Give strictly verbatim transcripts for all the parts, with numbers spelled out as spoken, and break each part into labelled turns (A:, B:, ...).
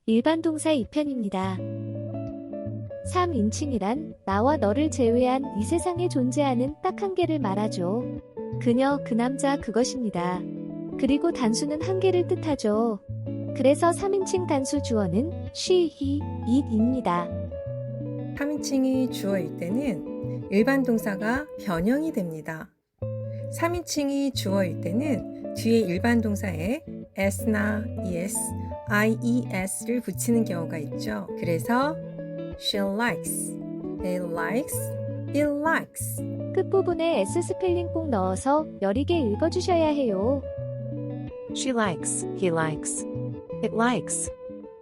A: 일반 동사 이 편입니다. 삼인칭이란 나와 너를 제외한 이 세상에 존재하는 딱 한 개를 말하죠. 그녀, 그 남자, 그것입니다. 그리고 단수는 한 개를 뜻하죠. 그래서 삼인칭 단수 주어는 she, he, it입니다.
B: 삼인칭이 주어일 때는 일반 동사가 변형이 됩니다. 삼인칭이 주어일 때는 뒤에 일반 동사에 s나 es, ies를 붙이는 경우가 있죠. 그래서 she likes, he likes, it likes.
A: 끝부분에 S 스펠링 꼭 넣어서 여리게 읽어주셔야 해요.
C: She likes, he likes, it likes.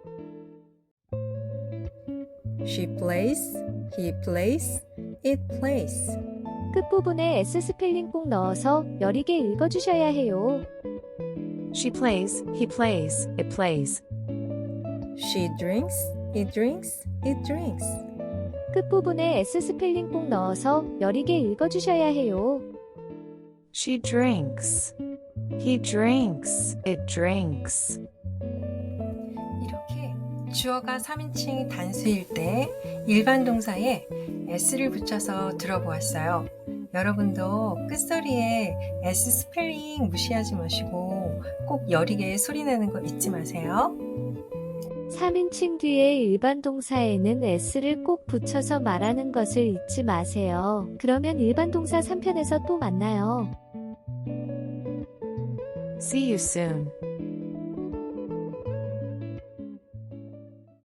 B: She plays, he plays, it plays.
A: 끝부분에 S 스펠링 꼭 넣어서 여리게 읽어주셔야 해요.
C: She plays, he plays, it plays.
B: She drinks, he drinks, it drinks.
A: 끝부분에 S 스펠링 꼭 넣어서 여리게 읽어주셔야 해요.
C: She drinks, he drinks, it drinks.
B: 이렇게 주어가 삼인칭 단수일 때 일반 동사에 s를 붙여서 들어보았어요. 여러분도 끝소리에 s 스펠링 무시하지 마시고 꼭 여리게 소리내는 거 잊지 마세요.
A: 삼인칭 뒤에 일반 동사에는 S를 꼭 붙여서 말하는 것을 잊지 마세요. 그러면 일반 동사 삼 편에서 또 만나요.
C: See you soon.